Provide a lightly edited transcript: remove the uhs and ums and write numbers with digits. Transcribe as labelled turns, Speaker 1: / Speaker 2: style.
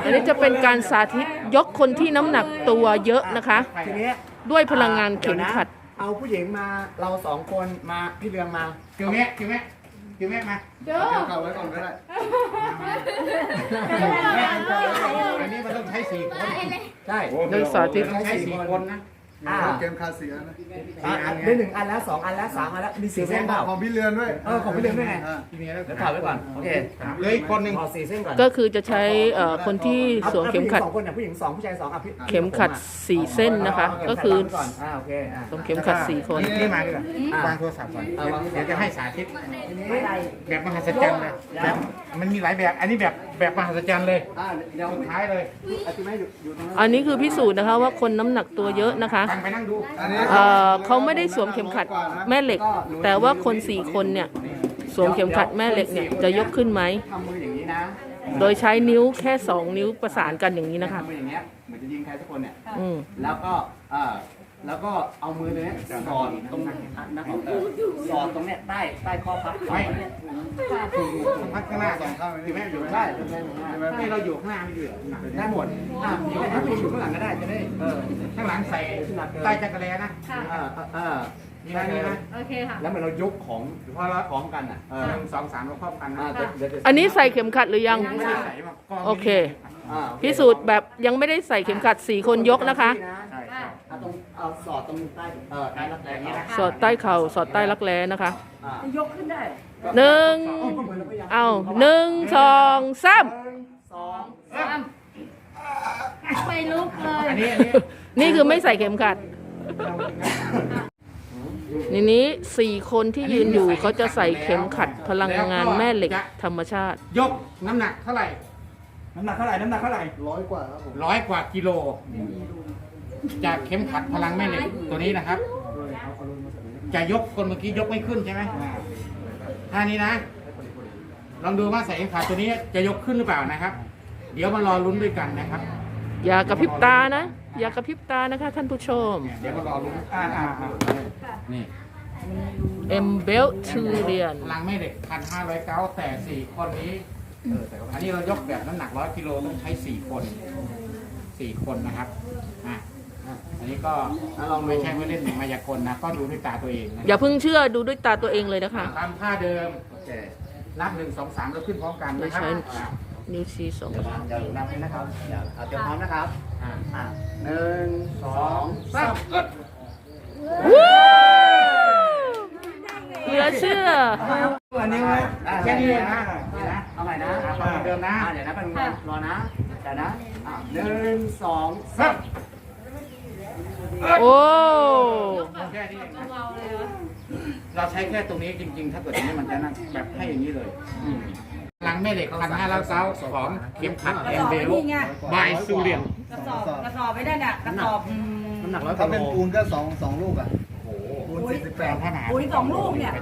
Speaker 1: อันนี้จะเป็นการสาธิตยกคนที่น้ำหนักตัวเยอะนะคะ
Speaker 2: ทีนี้
Speaker 1: ด้วยพลังงานเข็มขัด
Speaker 2: เอาผู้หญิงมาเราสองคนมาพี่เรืองมา
Speaker 3: คิวแม่มา
Speaker 4: เด้อ
Speaker 5: เก่าไว้ก่อนก็ได้
Speaker 3: อันนี้มันต้องใช้4 คน
Speaker 2: ใช่
Speaker 1: โดยสาธิต
Speaker 3: ต้องใช้4 คนนะ
Speaker 5: เกมคาเสียนะ
Speaker 2: ได้1 อันแล้ว2 อันแล้ว3 อันแล้วมี4 เส้นเปล่า
Speaker 5: ของพี่เรือนด้วย
Speaker 2: ของพี่เรืองด้วยไง
Speaker 3: ทีนี้แล้ว
Speaker 2: เดี๋ยวถ่ายไว้ก่อนโอเค
Speaker 3: เหลยคนหนึ่ง
Speaker 2: ขอ4 เส้นก่อน
Speaker 1: ก็คือจะใช้คนที่สวมเข็มขัด
Speaker 2: 2 คนเนี่ยผู้หญิง2ผู้ชาย2อ่ะพี่
Speaker 1: เข็มขัด4 เส้นนะคะ ก็คือ
Speaker 2: ก่อนโอเค
Speaker 1: สวมเข็มขัด4 คน
Speaker 3: นี่มาดีกว่าวางโทรศัพท์ก่อนเดี๋ยวจะให้สาธิตแบบมหัศจรรย์เลยแบบมันมีหลายแบบอันนี้แบบมหัศจรรย์เลย
Speaker 2: เดี๋ยว
Speaker 3: สุดท้ายเลย
Speaker 2: อธิบายอยู่ตรงนั้น
Speaker 1: อันนี้คือพิสูจน์นะคะว่าคนน้ำหนักตัวเยอะนะคะ
Speaker 3: ฟังไปนั่งดู
Speaker 5: อันนี้
Speaker 1: เขาไม่ได้สวมเข็มขัดแม่เหล็ก แต่ว่าคน4 คนเนี่ยสวมเข็มขัดแม่เหล็กเนี่ยจะยกขึ้นไหม
Speaker 2: ทำมืออย่างนี้นะ
Speaker 1: โดยใช้นิ้วแค่2 นิ้วประสานกันอย่างนี้นะคะ
Speaker 2: ทำมืออย่างเงี้ยเหมือนจะยิงใครสักคนเนี่ย
Speaker 1: อืม
Speaker 2: แล้วก็เอามือตัวเนี้ยสอดตรงนะครับสอดตรงเนี้ยใต้ข้อพับ
Speaker 3: ไม่ต้องพักข้างหน้าก่อนที่แม่อยู่
Speaker 2: ได้
Speaker 3: ไม่เราอยู่ข้างหน้าไม่อยู่
Speaker 2: ได้หมดถ้าผู้หญิงอยู่ข้างหลังก็ได้จะได้
Speaker 3: ข้างหลังใส่ใต้จักรแลนะนี่นะนี่นะ
Speaker 4: โอเคค่ะ
Speaker 2: แล้วเหมือนเรายกของ
Speaker 3: พอเรา
Speaker 2: พร้อมกันอ่ะ
Speaker 3: 1 2 3เราครอบกันนะ
Speaker 1: อันนี้ใส่เข็มขัดหรือยัง
Speaker 3: ไม่ได้ใส่มาก็
Speaker 1: โอเค พิสูจน์แบบยังไม่ได้ใส่เข็มขัด4 คนยกนะคะ
Speaker 3: ใช่ใช่
Speaker 2: เอาสอดตรงใต้รักแร้นี้นะ
Speaker 1: สอดใต้เข่าสอดใต้รักแร้นะคะ
Speaker 2: ยกขึ้นได้
Speaker 1: 1 เอา1 2 3
Speaker 4: ไม่ลุกเลย
Speaker 3: อันนี้
Speaker 1: นี่คือไม่ใส่เข็มขัด นี้4 คนที่ยืนอยู่เขาจะใส่เข็มขัดพลังงานแม่เหล็กธรรมชาติ
Speaker 3: ยกน้ำหนักเท่าไหร่
Speaker 2: น้ำหนักเท่าไหร่
Speaker 5: 100 กว่าครับผม
Speaker 3: 100 กว่ากิโล จากเข็มขัดพลังแม่เหล็กตัวนี้นะครับ จะยกคนเมื่อกี้ยกไม่ขึ้นใช่ไหมท่านี้นะ ลองดูว่าใส่เข็มขัดตัวนี้จะยกขึ้นหรือเปล่านะครับ เดี๋ยวมารอลุ้นด้วยกันนะครับ
Speaker 1: อย่ากระพริบตานะ อย่ากระพริบตานะคะท่านผู้ชม
Speaker 3: เดี๋ยวมารอลุ้นนี่
Speaker 1: M b e l t u r i a n
Speaker 3: พลังแม่เหล็ก1,500 เก้าแต่4 คนนี้อันนี้เรายกแบบน้ำหนัก100 กิโลต้องใช้4 คนนะครับอันนี้ก็ลองไม่ใช่ว่าเล่นมายากลนะก็ดูด้วยตาตัวเองนะ
Speaker 1: อย่าเพิ่งเชื่อดูด้วยตาตัวเองเลยนะคะ
Speaker 3: ตามท่าเดิมนับ1 2 3แล้วขึ้นพร้อมกันนะครับ
Speaker 1: นิ้วชี้2
Speaker 2: อย่านับเลยนะครับอย่าเตรียมพร้อมนะครับ1 2 3
Speaker 1: เหลือเชื่อ
Speaker 2: อันนี้นะ
Speaker 3: แค่นี้เองนะ
Speaker 2: เอาใหม่นะ
Speaker 3: เดิมนะ
Speaker 2: เดี๋ยวนะเป็นรอนะเดี๋ยวนะ1 2 3
Speaker 1: โอ้
Speaker 3: แค่นี้เองนะ
Speaker 4: เบาๆเลยวะ
Speaker 3: เราใช้แค่ตรงนี้จริงๆ ถ้าเกิดตรงนี้มันจะนั่งแบบให้อย่างนี้เลยพลังแม่เหล็ก1,500 เก้าของเข็มขัดแอนเบลบายซูเรียน
Speaker 6: กระสอบไม่ได้เนี่ยกระสอบ
Speaker 2: น้ำหนัก100
Speaker 5: ถ้าเป็นปูนก็2 ลูกอ่ะ
Speaker 3: โอ้โห
Speaker 5: ปูน
Speaker 3: แปลงขนาด
Speaker 6: ปุ๋ย2 ลูกเนี่ย